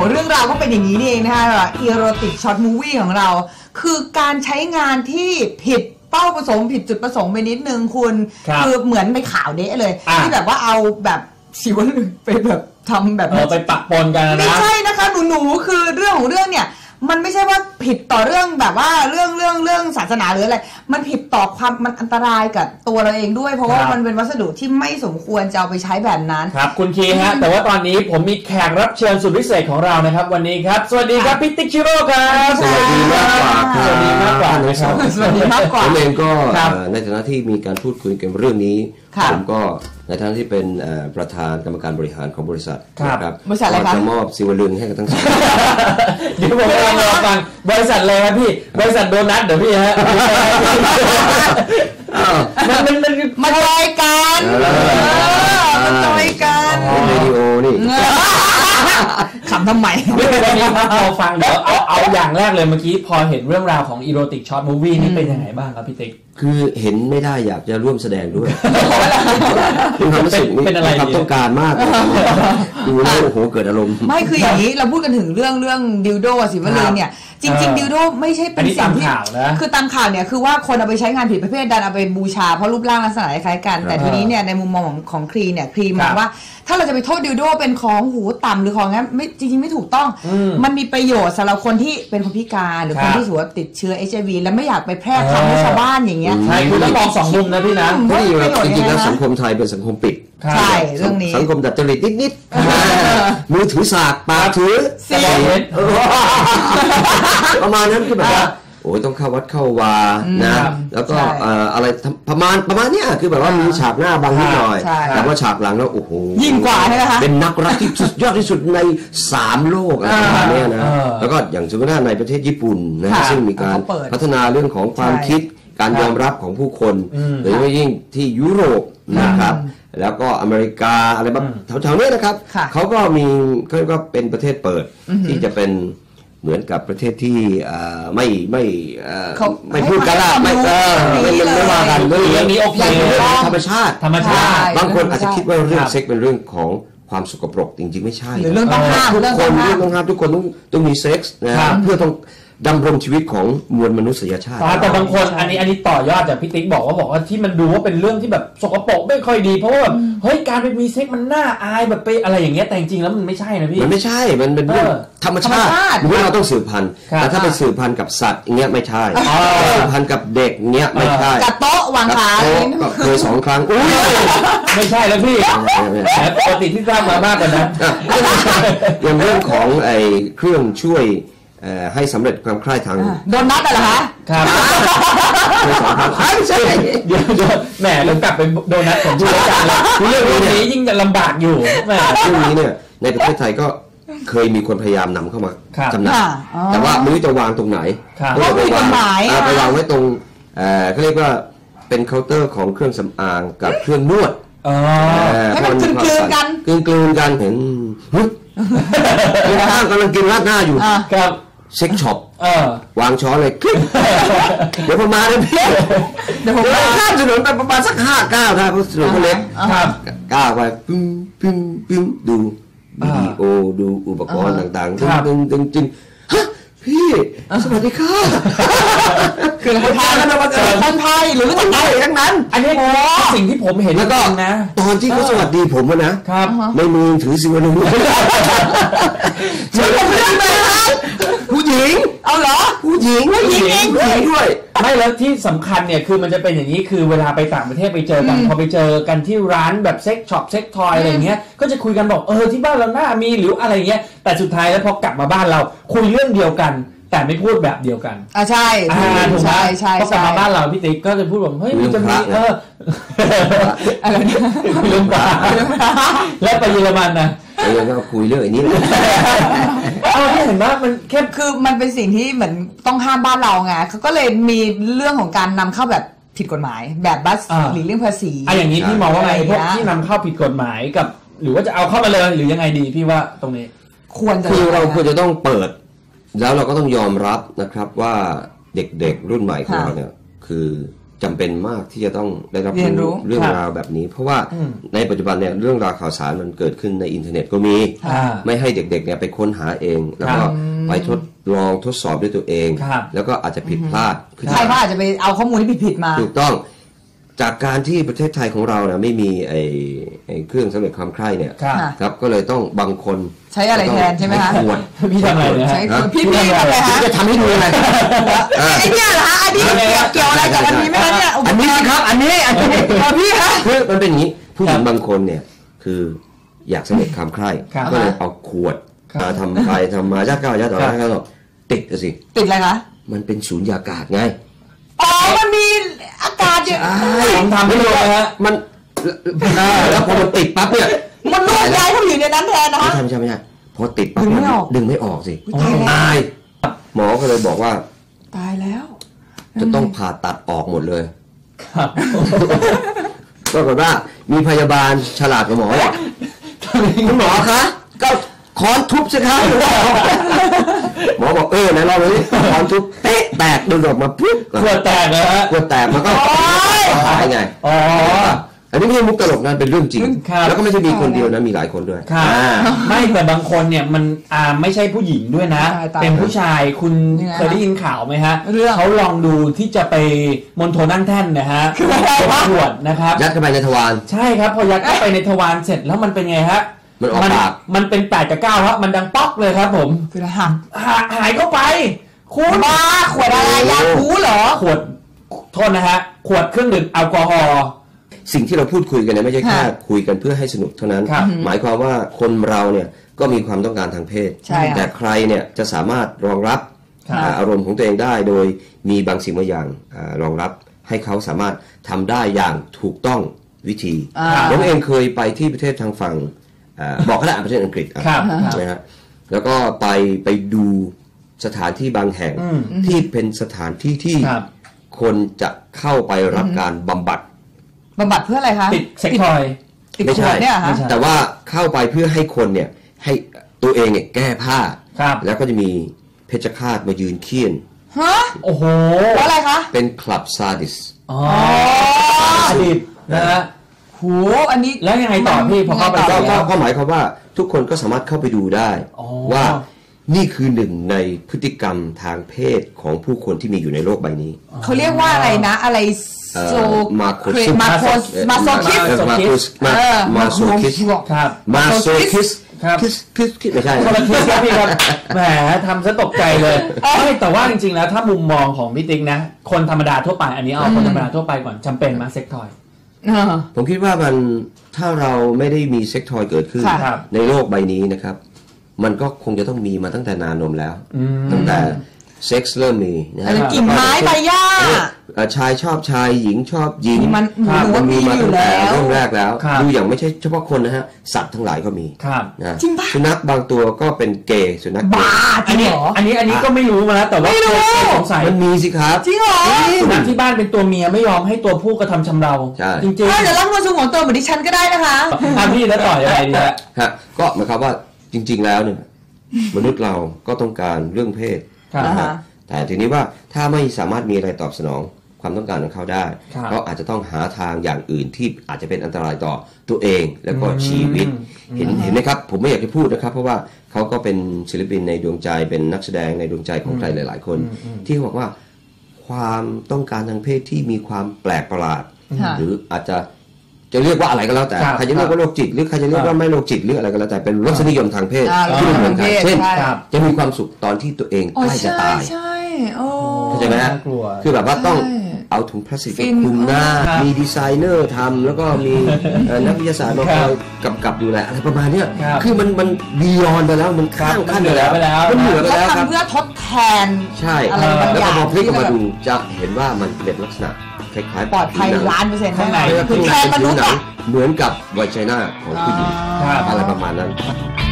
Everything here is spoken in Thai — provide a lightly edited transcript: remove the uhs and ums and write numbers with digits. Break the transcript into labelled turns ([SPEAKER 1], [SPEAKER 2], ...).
[SPEAKER 1] เรื่องราวก็เป็นอย่างนี้นี่เองนะคะอีโรติกช็อตมูวี่ของเราคือการใช้งานที่ผิดเป้าประสงค์ผิดจุดประสงค์ไปนิดนึงคุณคือเหมือนในข่าวเดะเลยที่แบบว่าเอาแบบสิวลึงไปแบบทำแบบ
[SPEAKER 2] ไปปะปนกันนะ
[SPEAKER 1] ไม่ใช่นะคะหนูคือเรื่องของเรื่องเนี่ยมันไม่ใช่ว่าผิดต่อเรื่องแบบว่าเรื่องศาสนาหรืออะไรมันผิดต่อความมันอันตรายกับตัวเราเองด้วยเพราะว่ามันเป็นวัสดุที่ไม่สมควรจะเอาไปใช้แบบนั้น
[SPEAKER 2] ครับคุณคีฮะแต่ว่าตอนนี้ผมมีแขกรับเชิญสุดพิเศษของเรานะครับวันนี้ครับสวัสดีครับพี่ติ๊กชิโร่ครับ
[SPEAKER 3] สวัสดีมากกว่า
[SPEAKER 2] สวัสดีมากกว่า
[SPEAKER 1] นะครับสวัสดีมากกว่า
[SPEAKER 3] ผมเองก็ในฐานะที่มีการพูดคุยกันเรื่องนี้ผมก็ในฐานะที่เป็นประธานกรรมการบริหารของบริษัทนะครับ
[SPEAKER 1] บริษัทอะไรครับ
[SPEAKER 3] จะมอบสิวลึงให้กับทั้งสอง
[SPEAKER 2] เดี๋ยวผมกำลังรอฟังบริษัทอะไรครับพี่บริษัทโดนัทเดี๋ยวพี่ฮะ
[SPEAKER 1] มันจอยกันมันจอยกัน
[SPEAKER 3] เรดิโอนี่
[SPEAKER 1] ขำทำไม
[SPEAKER 2] วันนี้ครับพอฟังเดี๋ยวเอาอย่างแรกเลยเมื่อกี้พอเห็นเรื่องราวของอีโรติกช็อตมูฟวี่นี่เป็นยังไงบ้างครับพี่ติ๊ก
[SPEAKER 3] คือเห็นไม่ได้อยากจะร่วมแสดงด้วยเป็นความรู้สึกนี่เป็นความต้องการมากดูแล้วโอ้โหเกิดอารมณ์
[SPEAKER 1] ไม่คืออย่างนี้เราพูดกันถึงเรื่องดิวโดสิวลึงเนี่ยจริงๆดิวโดไม่ใช่เป็นสิ่งที่คือตามข่าวเนี่ยคือว่าคนเอาไปใช้งานผิดประเภทดันเอาไปบูชาเพราะรูปร่างลักษณะคล้ายกันแต่ทีนี้เนี่ยในมุมมองของครีเนี่ยครีมองว่าถ้าเราจะไปโทษดิวโดเป็นของหูต่ำหรือของงั้นไม่จริงๆไม่ถูกต้องมันมีประโยชน์สำหรับคนที่เป็นคนพิการหรือคนที่ถือว่าติดเชื้อ HIV แล้วไม่อยากไปแพร่คำให้ชาวบ้านอย่างเงี้ย
[SPEAKER 2] ใช่คือต้องมองสองมุมนะพี่นะ
[SPEAKER 3] จริงๆแล้วสังคมไทยเป็นสังคมปิด
[SPEAKER 1] ใช่เรื่องนี้
[SPEAKER 3] สังคมดัดจริตนิดๆมือถือสากปากถือ
[SPEAKER 1] เสีย
[SPEAKER 3] ประมาณนั้นคือแบบว่าโอ้ยต้องเข้าวัดเข้าวานะแล้วก็อะไรประมาณเนี้ยคือแบบว่ามีฉากหน้าบางนิดหน่อยแต่ว่าฉากหลังแล้วโอ้โห
[SPEAKER 1] ยิ่งกว่าใช่ไหมคะ
[SPEAKER 3] เป็นนักรักที่สุดยอดที่สุดใน3โลกอะไรประมาณนี้นะแล้วก็อย่างสมมติว่าในประเทศญี่ปุ่นนะซึ่งมีการพัฒนาเรื่องของความคิดการยอมรับของผู้คนโดยเฉพาะยิ่งที่ยุโรปนะครับแล้วก็อเมริกาอะไรแบบแถวๆนี้นะครับเขาก็มีก็เป็นประเทศเปิดที่จะเป็นเหมือนกับประเทศที่ไม่พูดกันละไม่ว่ากันเรื่องนี้โอเคธรรมชาติบางคนอาจจะคิดว่าเรื่องเซ็กเป็นเรื่องของความสกปรกจริงๆไม่ใช่
[SPEAKER 1] หรือเรื่องต้องห้าม
[SPEAKER 3] ทุกคนทุกคนต้องมีเซ็กส์นะเพื่อต้องดำรงชีวิตของมวลมนุษยชาติ
[SPEAKER 2] แต่บางคนอันนี้ต่อยอดจากพี่ติ๊กบอกว่าที่มันดูว่าเป็นเรื่องที่แบบสกปรกไม่ค่อยดีเพราะว่าแบบเฮ้ยการไปมีเซ็กมันน่าอายแบบไปอะไรอย่างเงี้ยแต่จริงๆแล้วมันไม่ใช่นะพี่
[SPEAKER 3] มันไม่ใช่มันเป็นเรื่องธรรมชาติเราต้องสืบพันธุ์แต่ถ้าไปสืบพันธุ์กับสัตว์อย่างเงี้ยไม่ใช่สืบพันธุ์กับเด็กเงี้ยไม่ใช่
[SPEAKER 1] กับโต๊ะวางขา
[SPEAKER 3] เคย2 ครั้ง
[SPEAKER 2] ไม่ใช่แล้วพี่ปกติที่ทราบมามากกว่านั้น
[SPEAKER 3] อย่างเรื่องของไอ้เครื่องช่วยให้สำเร็จความใคร่ทาง
[SPEAKER 1] โดนนัดเหรอคะ
[SPEAKER 2] ครับ
[SPEAKER 3] ไม่ใช่
[SPEAKER 2] เดี๋ยวแหมเรากลับไปโดนัทของผู้ราชการเลยเรื่องนี้ยิ่งจะลำบากอยู่แหม
[SPEAKER 3] เรื่องนี้เนี่ยในประเทศไทยก็เคยมีคนพยายามนำเข้ามาจำหน่ายแต่ว่าไม่รู้จะวางตรงไหน
[SPEAKER 1] ก็มีกฎหมาย
[SPEAKER 3] ไปวางไว้ตรงเขาเรียกว่าเป็นเคาน์เตอร์ของเครื่องสำอางกับเครื่องนวด
[SPEAKER 1] ให้มันกลืนกัน
[SPEAKER 3] เห็นข้างกำลังกินราดหน้าอยู่
[SPEAKER 2] ครับ
[SPEAKER 3] เซ็กช็อปวางช้อนเลยเดี๋ยวผมมาเลยพี่เดี๋ยวผมข้ามถนนไปประมาณสัก5 ก้าวถ้าถนนเขาเล็กก้าวไปปึ้งดูวิดีโอดูอุปกรณ์ต่างๆจริงฮะพี่สวัสดีค่ะ
[SPEAKER 1] คือคนไทยคนไทยหรือคนไทยทั้งนั้น
[SPEAKER 2] อันนี้สิ่งที่ผมเห็น
[SPEAKER 3] แล้วก็นะตอนที่เขาสวัสดีผมนะครับในมือถือสิวลึงผู้หญิง
[SPEAKER 1] เอาเหรอ
[SPEAKER 3] ผู้หญิงด้วย
[SPEAKER 2] ไม่แล้วที่สำคัญเนี่ยคือมันจะเป็นอย่างนี้คือเวลาไปต่างประเทศไปเจอกันพอไปเจอกันที่ร้านแบบเซ็กช็อปเซ็กทอยอะไรเงี้ยก็จะคุยกันบอกที่บ้านเราหน้ามีหรืออะไรเงี้ยแต่สุดท้ายแล้วพอกลับมาบ้านเราคุยเรื่องเดียวกันแต่ไม่พูดแบบเดียวกัน
[SPEAKER 1] ใช่
[SPEAKER 2] ถูกไหมพอกลับมาบ้านเราพี่ติ๊กก็จะพูดแบบเฮ้ยมันจะมี
[SPEAKER 1] อะไรเนี่ย
[SPEAKER 2] เรื่องปลาแล้วไปเยอรมันนะ
[SPEAKER 3] ยังก็คุยเรื่องอันนี้เลย
[SPEAKER 2] ที่เห็นว่ามันแค่
[SPEAKER 1] คือมันเป็นสิ่งที่เหมือนต้องห้ามบ้านเราไงเขาก็เลยมีเรื่องของการนำเข้าแบบผิดกฎหมายแบบบัสหรือเรื่องภาษี
[SPEAKER 2] อย่างนี้พี่มองว่าไงพวกที่นำเข้าผิดกฎหมายกับหรือว่าจะเอาเข้ามาเลยหรือยังไงดีพี่ว่าตรงนี้
[SPEAKER 3] คือเราควรจะต้องเปิดแล้วเราก็ต้องยอมรับนะครับว่าเด็กๆรุ่นใหม่ของเราเนี่ยคือจำเป็นมากที่จะต้องได้รับรู้เรื่องราวแบบนี้เพราะว่าในปัจจุบันเนี่ยเรื่องราวข่าวสารมันเกิดขึ้นในอินเทอร์เน็ตก็มีไม่ให้เด็กๆเนี่ยไปค้นหาเองแล้วก็ไปทดลองทดสอบด้วยตัวเองแล้วก็อาจจะผิดพลาด
[SPEAKER 1] ใช่ว่าอาจจะไปเอาข้อมูลที่ผิดๆมา
[SPEAKER 3] ถูกต้องจากการที่ประเทศไทยของเราเนี่ยไม่มีไอ้เครื่องสำเร็จความใคร่เนี่ยครับก็เลยต้องบางคน
[SPEAKER 1] ใช้อะไรแทนใช่ไหมคะ
[SPEAKER 2] พี่ทำอะไรเนี่ย
[SPEAKER 1] พี่ทำอะไรฮะ
[SPEAKER 3] จะทำให้ดูไง
[SPEAKER 1] ไอ้เนี่ยเหรอฮะอันนี้เกี่ยวอะไรกับอันนี้ไหมคะเนี่ย
[SPEAKER 3] อันนี้ครับอันนี้
[SPEAKER 1] พี่ฮะ
[SPEAKER 3] คือมันเป็นอย่างนี้ผู้หญิงบางคนเนี่ยคืออยากสำเร็จความใคร่ก็เลยเอาขวดมาทำไปทำมายัดเข้ายัดต่อยัดเข้าติดสิ
[SPEAKER 1] ติดอะไรคะ
[SPEAKER 3] มันเป็นสูญญากาศไง
[SPEAKER 1] อ๋อมันมีอากาศเยอะ
[SPEAKER 3] ผมทำไม่ได้ฮะมันแล้วพอมันติดปั๊บเนี่ย
[SPEAKER 1] มันนวดย้ายเขาอยู่ในนั้นแทนนะ
[SPEAKER 3] ไม่ใช่พอติดปั๊บดึงไม่ออกสิตายหมอก็เลยบอกว่า
[SPEAKER 1] ตายแล้ว
[SPEAKER 3] จะต้องผ่าตัดออกหมดเลยครับปรากฏว่ามีพยาบาลฉลาดกว่าหมอบอกคุณหมอคะก็ค้อนทุบสิครับหมอบอกไหนลองเลยค้อนทุบเตะแตกดึงออกมาปุ๊บ
[SPEAKER 2] ขวดแตกนะฮะ
[SPEAKER 3] ขวดแตกมันก็หายไงอันนี้ไม่ใช่มุกตลกนั้นเป็นเรื่องจริงแล้วก็ไม่ใช่มีคนเดียวนะมีหลายคนด้วย
[SPEAKER 2] ไม่แต่บางคนเนี่ยมันไม่ใช่ผู้หญิงด้วยนะเป็นผู้ชายคุณเคยได้ยินข่าวไหมฮะเขาลองดูที่จะไปมณฑลนั่งแท่นนะฮะขวดนะครับ
[SPEAKER 3] ยัดเข้าไปในทวาร
[SPEAKER 2] ใช่ครับพอยัดเข้าไปในทวารเสร็จแล้วมันเป็นไงฮะ
[SPEAKER 3] มันออกปาก
[SPEAKER 2] มันเป็น8 กับ 9ครับมันดังป๊อกเลยครับผม
[SPEAKER 1] คือ
[SPEAKER 2] หายเข้าไปคุณ
[SPEAKER 1] บ้าขวดอะไรยาคูเหรอ
[SPEAKER 2] ขวดโทษนะฮะขวดเครื่องดื่มแอลกอฮอล์
[SPEAKER 3] สิ่งที่เราพูดคุยกันเนี่ยไม่ใช่แค่คุยกันเพื่อให้สนุกเท่านั้นหมายความว่าคนเราเนี่ยก็มีความต้องการทางเพศแต่ใครเนี่ยจะสามารถรองรับอารมณ์ของตัวเองได้โดยมีบางสิ่งบางอย่างรองรับให้เขาสามารถทำได้อย่างถูกต้องวิธีผมเองเคยไปที่ประเทศทางฝั่งบอกก็ได้ประเทศอังกฤษนะฮะแล้วก็ไปดูสถานที่บางแห่งที่เป็นสถานที่ที่คนจะเข้าไปรับการบำบัด
[SPEAKER 1] เพื่ออะไรคะ
[SPEAKER 2] ติดเซ็กทอย
[SPEAKER 3] ไม่ใช่แต่ว่าเข้าไปเพื่อให้คนเนี่ยให้ตัวเองเนี่ยแก้ผ้าแล้วก็จะมีเพชฌฆาตมายืนเคี่ยน
[SPEAKER 1] ฮะโอ้โหอะไรคะ
[SPEAKER 3] เป็นคลับซาดิส
[SPEAKER 2] ซาดิสนะฮะ
[SPEAKER 1] โหอันนี้
[SPEAKER 2] แล้วยังไงต่อพี่พอเข้าไป
[SPEAKER 3] ก็หมายความว่าทุกคนก็สามารถเข้าไปดูได้ว่านี่คือหนึ่งในพฤติกรรมทางเพศของผู้คนที่มีอยู่ในโลกใบนี้
[SPEAKER 1] เขาเรียกว่าอะไรนะอะไรโซ
[SPEAKER 3] มา
[SPEAKER 1] โซคิส
[SPEAKER 3] มาโซคิสคิสไม่ใช่
[SPEAKER 2] คนละคิสครับพี่ครับแหมทำซะตกใจเลยไม่แต่ว่าจริงๆแล้วถ้ามุมมองของพี่ติ๊กนะคนธรรมดาทั่วไปอันนี้เอาคนธรรมดาทั่วไปก่อนจำเป็นมาเซ็กทอย
[SPEAKER 3] ผมคิดว่ามันถ้าเราไม่ได้มีเซ็กทอยเกิดขึ้นในโลกใบนี้นะครับมันก็คงจะต้องมีมาตั้งแต่นานนมแล้วตั้งแต่เซ็กซ์เริ่มมีนะฮะ
[SPEAKER 1] กิ่งไม้ใบหญ้า
[SPEAKER 3] ชายชอบชายหญิงชอบหญิง
[SPEAKER 1] มัน
[SPEAKER 3] มีมาตั้งแต่เริ่มแรกแล้วดูอย่างไม่ใช่เฉพาะคนนะฮะสัตว์ทั้งหลายก็มีนะสุนัขบางตัวก็เป็นเกย์สุนัข
[SPEAKER 1] บ้า
[SPEAKER 2] อันนี้ก็ไม่รู้มาแล้วแต่ว่าสงสัย
[SPEAKER 3] มันมีสิครับ
[SPEAKER 1] จริงเหรอ
[SPEAKER 2] สุนัขที่บ้านเป็นตัวเมียไม่ยอมให้ตัวผู้กระทำชำเราจริงๆ
[SPEAKER 1] เดี๋ยวรับมาสู่ของตัวเหมือนดิฉันก็ได้นะคะ
[SPEAKER 2] พี่แล้วต่อยังไงดี
[SPEAKER 3] ฮะก็หมายความว่าจริงๆแล้วเนี่ยมนุษย์เราก็ต้องการเรื่องเพศนะฮะแต่ทีนี้ว่าถ้าไม่สามารถมีอะไรตอบสนองความต้องการของเขาได้เขาอาจจะต้องหาทางอย่างอื่นที่อาจจะเป็นอันตรายต่อตัวเองแล้วก็ชีวิตเห็นไหมครับผมไม่อยากจะพูดนะครับเพราะว่าเขาก็เป็นศิลปินในดวงใจเป็นนักแสดงในดวงใจของใครหลายๆคนที่บอกว่าความต้องการทางเพศที่มีความแปลกประหลาดหรืออาจจะเรียกว่าอะไรก็แล้วแต่ใครจะเรียกว่าโรคจิตหรือใครจะเรียกว่าไม่โรคจิตหรืออะไรก็แล้วแต่เป็นรสนิยมทางเพศที่ไม่เหมือนกันเช่นจะมีความสุขตอนที่ตัวเองใกล้จะตายเข้าใจไหมฮะคือแบบว่าต้องเอาถุงพลาสติกคลุมหน้ามีดีไซเนอร์ทำแล้วก็มีนักวิทยาศาสตร์มาคอยกำกับดูแลอะไรประมาณนี้คือมันบียอนไปแล้วมันข้ามขั้นไปแล้วมันเหนือไปแล้วครับ
[SPEAKER 1] เพื่อทดแทน
[SPEAKER 3] ใช่แล้วพอพลิกออกมาดูจะเห็นว่ามันเป็นลักษณะคล้าย
[SPEAKER 1] ๆปลอดภัย100%ข้างในคือแทนมนุษย์
[SPEAKER 3] เหมือนกับไวจีน่าของผู้หญิงอะไรประมาณนั้น